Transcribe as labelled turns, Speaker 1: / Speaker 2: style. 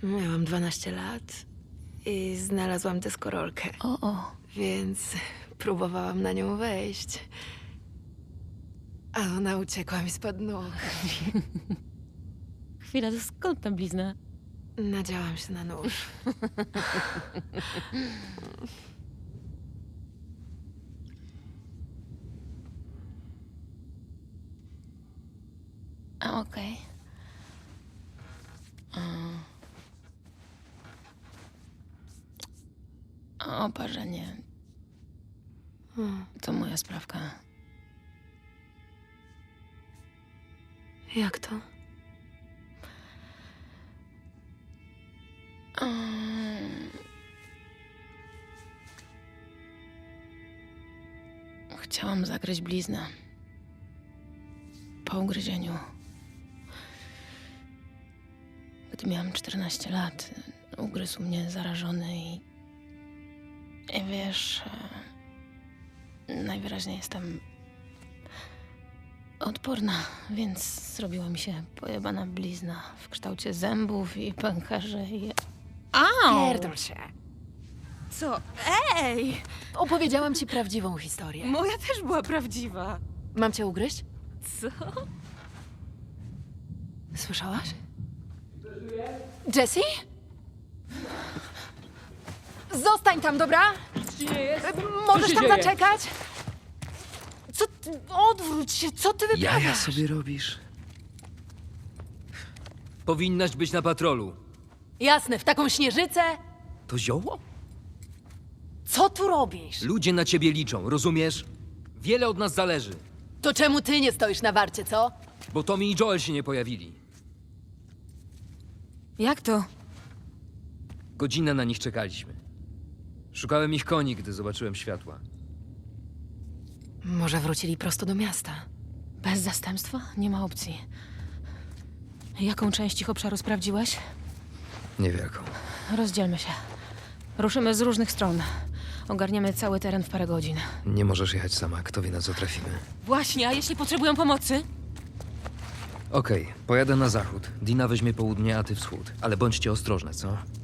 Speaker 1: Miałam 12 lat i znalazłam deskorolkę,
Speaker 2: O.
Speaker 1: więc próbowałam na nią wejść. A ona uciekła mi spod nóg.
Speaker 2: Chwila, to skąd ta blizna?
Speaker 1: Nadziałam się na nóż.
Speaker 2: A, okej. Oparzenie. To moja sprawka.
Speaker 1: Jak to?
Speaker 2: Chciałam zagryźć bliznę. Po ugryzieniu. Gdy miałam 14 lat, ugryzł mnie zarażony i wiesz, najwyraźniej jestem odporna, więc zrobiła mi się pojebana blizna w kształcie zębów i pęcherzy i... Au!
Speaker 1: Pierdol się.
Speaker 2: Co? Ej!
Speaker 1: Opowiedziałam ci prawdziwą historię.
Speaker 2: Moja też była prawdziwa.
Speaker 1: Mam cię ugryźć?
Speaker 2: Co?
Speaker 1: Słyszałaś? Jessie? Zostań tam, dobra? Możesz tam zaczekać? Co ty? Odwróć się, co ty wyprawiasz?
Speaker 3: Jaja sobie robisz? Powinnaś być na patrolu.
Speaker 1: Jasne, w taką śnieżycę?
Speaker 3: To zioło?
Speaker 1: Co tu robisz?
Speaker 3: Ludzie na ciebie liczą, rozumiesz? Wiele od nas zależy,
Speaker 1: To czemu ty nie stoisz na warcie, co?
Speaker 3: bo Tommy i Joel się nie pojawili.
Speaker 2: Jak to?
Speaker 3: Godzinę na nich czekaliśmy. Szukałem ich koni, gdy zobaczyłem światła.
Speaker 1: Może wrócili prosto do miasta.
Speaker 2: Bez zastępstwa? Nie ma opcji. Jaką część ich obszaru sprawdziłeś?
Speaker 3: Niewielką.
Speaker 2: Rozdzielmy się. Ruszymy z różnych stron. Ogarniemy cały teren w parę godzin.
Speaker 3: Nie możesz jechać sama, kto wie na co trafimy.
Speaker 2: Właśnie, a jeśli potrzebują pomocy?
Speaker 3: Okej, pojadę na zachód. Dina weźmie południe, a ty wschód. Ale bądźcie ostrożne, co?